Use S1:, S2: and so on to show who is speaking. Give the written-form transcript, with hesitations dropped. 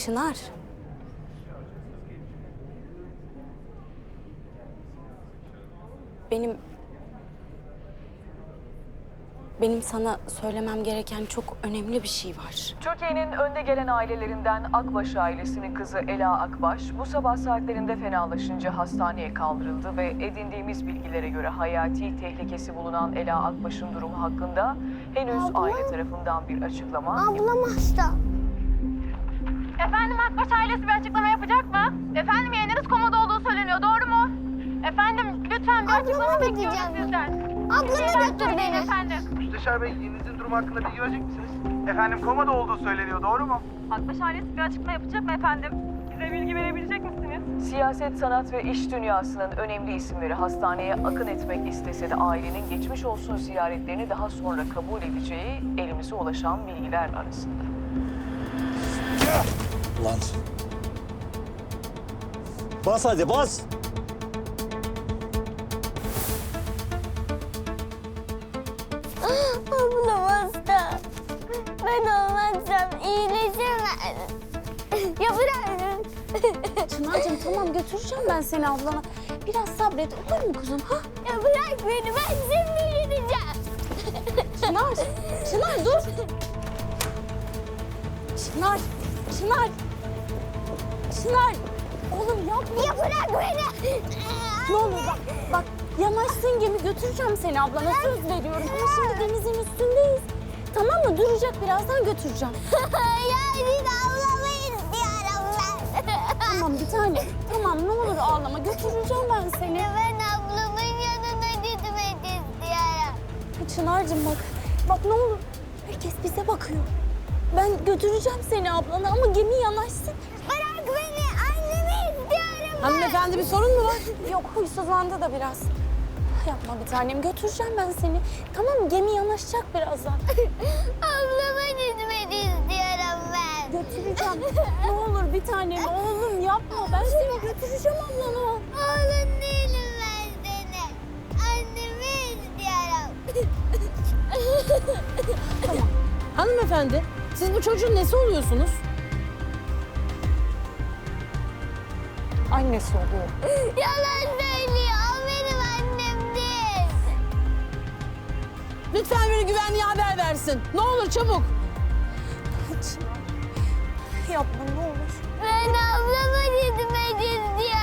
S1: Çınar. Benim sana söylemem gereken çok önemli bir şey var.
S2: Türkiye'nin önde gelen ailelerinden Akbaş ailesinin kızı Ela Akbaş bu sabah saatlerinde fenalaşınca hastaneye kaldırıldı ve edindiğimiz bilgilere göre hayati tehlikesi bulunan Ela Akbaş'ın durumu hakkında henüz aile tarafından bir açıklama
S3: Ablam hasta.
S4: Efendim Akbaş ailesi bir açıklama yapacak mı? Efendim yeğeniniz komada olduğu söyleniyor, doğru mu? Efendim lütfen bir açıklama bekliyoruz sizden.
S3: Ablama götür beni.
S4: Efendim.
S5: Müsteşar Bey, yeğeninizin durumu hakkında bilgi verecek misiniz? Efendim komada olduğu söyleniyor, doğru mu?
S4: Akbaş ailesi bir açıklama yapacak mı efendim? Bize bilgi verebilecek misiniz?
S2: Siyaset, sanat ve iş dünyasının önemli isimleri hastaneye akın etmek istese de ailenin geçmiş olsun ziyaretlerini daha sonra kabul edeceği elimize ulaşan bilgiler arasında.
S6: Lan. Bas hadi bas.
S3: Ablam hasta. Ben olmazsam iyileşemez. Ya bırak.
S1: Çınar'cığım tamam götüreceğim ben seni ablana. Biraz sabret olur mu kuzum? Ha?
S3: Ya bırak beni, ben şimdi gideceğim.
S1: Çınar, Çınar dur. Çınar, Çınar. Çınar. Oğlum yapma.
S3: Ya bırak beni.
S1: Ne olur bak yanaşsın gemi götüreceğim seni ablana söz veriyorum. Ama şimdi denizin üstündeyiz. Tamam mı? Duracak birazdan götüreceğim.
S3: Ya biz ablamı istiyorum ben.
S1: Tamam bir tane. Tamam ne olur ağlama götüreceğim ben seni.
S3: Ya ben ablamın yanına gitmek istiyorum.
S1: Çınar'cığım bak ne olur. Herkes bize bakıyor. Ben götüreceğim seni ablana ama gemi yanaşsın.
S3: Bırak beni, annemi istiyorum.
S1: Hanımefendi bir sorun mu var? Yok huysuzlandı da biraz. Yapma bir tanem götüreceğim ben seni. Tamam mı? Gemi yanaşacak birazdan.
S3: Ablama gitmek istiyorum ben.
S1: Götüreceğim. Ne olur bir tanem oğlum yapma. Ben seni götüreceğim ablana.
S3: Oğlum değilim ben seni. Annemi istiyorum.
S7: Hanımefendi, siz bu çocuğun nesi oluyorsunuz?
S1: Annesi oluyor.
S3: Yalan söylüyor. O benim annem değil.
S7: Lütfen biri güvenliğe haber versin. Ne olur çabuk.
S1: Çınar. Yapma ne olur.
S3: Ben ablama gitmek istiyorum.